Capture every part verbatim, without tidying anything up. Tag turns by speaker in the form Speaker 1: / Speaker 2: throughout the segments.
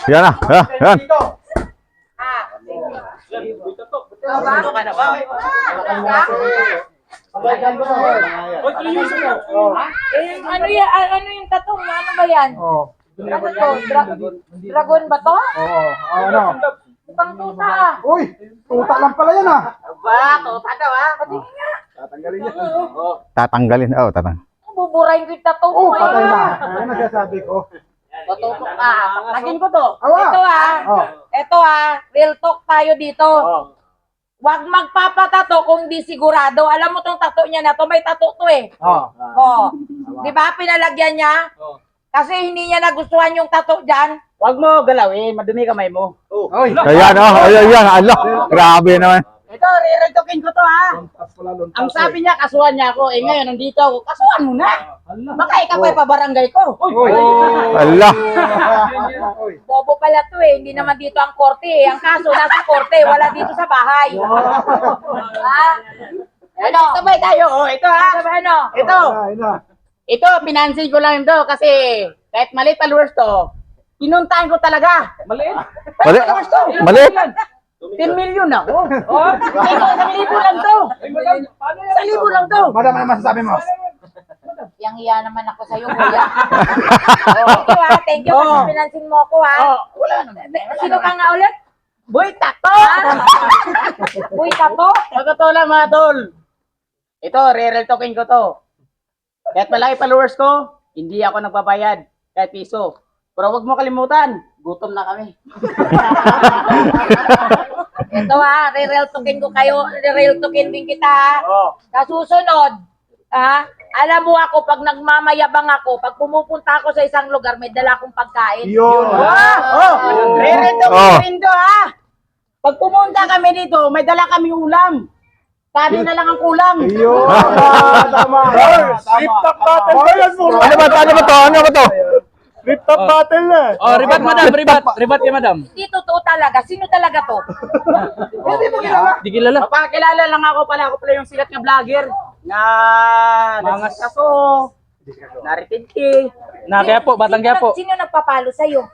Speaker 1: Yan na. Ah, yan.
Speaker 2: Ano ka na ba?
Speaker 3: Eh, ano yan? Ano yung tattoo? Ano ba yan?
Speaker 4: Oh.
Speaker 3: Ano to? Dra- dragon ba to?
Speaker 4: Oo. Ano?
Speaker 3: Pang tuta ah.
Speaker 4: Uy, tuta lang pala yan ah.
Speaker 2: Ba, tuta daw ah.
Speaker 4: Tatanggalin niya.
Speaker 1: Tatanggalin. Oh, tatang.
Speaker 3: Buburahin ko yung tattoo
Speaker 4: Oh,
Speaker 3: ko
Speaker 4: patay na.
Speaker 3: eh.
Speaker 4: Ano nasasabi ko?
Speaker 2: Tututok ka. Lagin ko to.
Speaker 4: Awa.
Speaker 3: Ito ah.
Speaker 4: Oh.
Speaker 3: Ito ah. Real talk tayo dito. Huwag magpapatato kung di sigurado. Alam mo tong tattoo niya na to, may tattoo to eh.
Speaker 4: Oh.
Speaker 3: Oh. Di ba pinalagyan niya? Kasi hindi niya nagustuhan yung tattoo dyan.
Speaker 2: Huwag mo galawin, madumi kamay mo.
Speaker 4: Oy.
Speaker 1: Ayan, oh. Ayan, ayan. Ala. Grabe naman.
Speaker 2: Ito, rireltokin ko to ha. Ang sabi niya, kasuhan niya ako. Eh ngayon, nandito ako. Kasuhan mo na. Baka ikaw pa pabarangay ko.
Speaker 4: Uy.
Speaker 1: Ala.
Speaker 4: Uy.
Speaker 3: Bobo pala to eh. Hindi naman dito ang korte eh. Ang kaso nasa korte, wala dito sa bahay. Ha?
Speaker 2: Ano? Sabay tayo. Oh, ito ha.
Speaker 3: Sabi ano?
Speaker 2: Ito.
Speaker 4: Ay na.
Speaker 2: Ito, pinansin ko lang ito kasi kahit maliit followers to, pinuntahan ko talaga. Maliit?
Speaker 1: Mali. Mali.
Speaker 2: ten million ako. Oh, ito, sa libo lang to. Sa libo lang to.
Speaker 4: Madam, ano masasabi mo?
Speaker 3: Yang iya naman ako sa'yo, kuya. Thank you ha. Thank you kasi
Speaker 2: Oh.
Speaker 3: pinansin mo ako ha.
Speaker 2: Oh, wala naman.
Speaker 3: Sino ka nga ulit?
Speaker 2: Boy, takto!
Speaker 3: Uy, tato?
Speaker 2: Sa totoo lang mga tol. Ito, re-real talking ko to. Kahit malaki followers ko, hindi ako nagbabayad kahit piso. Pero wag mo kalimutan, gutom na kami.
Speaker 3: Ito ha, re-real talking ko kayo. Re-real talking din kita ha.
Speaker 2: Oh.
Speaker 3: Sa susunod, ha? Alam mo ako, pag nagmamayabang ako, pag pumupunta ako sa isang lugar, may dala akong pagkain.
Speaker 4: Yun.
Speaker 2: Ah, oh, re-real talking
Speaker 1: Oh.
Speaker 2: rin to ha. Pag pumunta kami dito, may dala kami ulam. Sabi na lang ang kulang.
Speaker 4: Yun. Tama. Tama.
Speaker 5: Flip top battle.
Speaker 1: Ano ba? Ano ba to? Ano ba to?
Speaker 5: Flip top battle na. Oh, ribat madam, ribat. Ribat kay madam.
Speaker 3: Hindi totoo talaga. Sino talaga to?
Speaker 4: Hindi mo kilala.
Speaker 5: Di kilala.
Speaker 2: Papakilala lang ako pala. Ako pala yung sikat na vlogger na
Speaker 5: Mangas.
Speaker 2: kaso, naritindi.
Speaker 5: Na kaya po, batang kaya po.
Speaker 3: Sino, sino nagpapalo sa'yo?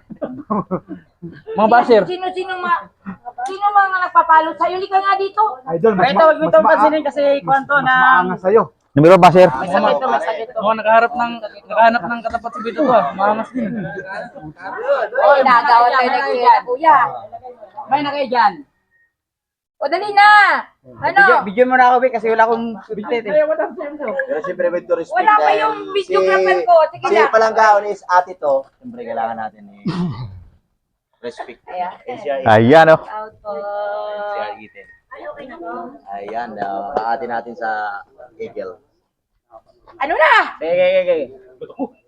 Speaker 5: Mga basher.
Speaker 3: Sino, sino, ma, sino mga nagpapalo sa'yo? Hindi ka nga dito.
Speaker 4: Idol, mas
Speaker 2: Pero ito, huwag mo itong pansinin kasi kwanto
Speaker 4: mas
Speaker 2: na
Speaker 4: maangas sa'yo.
Speaker 1: Numero ba, sir?
Speaker 2: may sakit to, may sakit to.
Speaker 5: Oh, nakaharap ng nakahanap ng katapat sa bito to ah. Maangas din.
Speaker 3: Oy, nagawa tayo ng kuya. Kuya.
Speaker 2: May na kayo dyan.
Speaker 3: O, dali na. Ano?
Speaker 2: Bigyan, bigyan mo na ako, Vic, kasi wala akong bitet eh.
Speaker 6: Pero siyempre with to respect.
Speaker 3: Wala pa
Speaker 6: dahil
Speaker 3: yung videographer ko. Sige
Speaker 6: si,
Speaker 3: na.
Speaker 6: Si Palanggaon is ate to. Siyempre kailangan natin eh. Respect.
Speaker 3: Ayan.
Speaker 6: Eh, siya,
Speaker 1: Ayan, oh.
Speaker 3: Out po.
Speaker 6: siya itin. Ayan, uh, kaati natin sa Eagle.
Speaker 3: Ano na?
Speaker 2: Okay, okay, okay.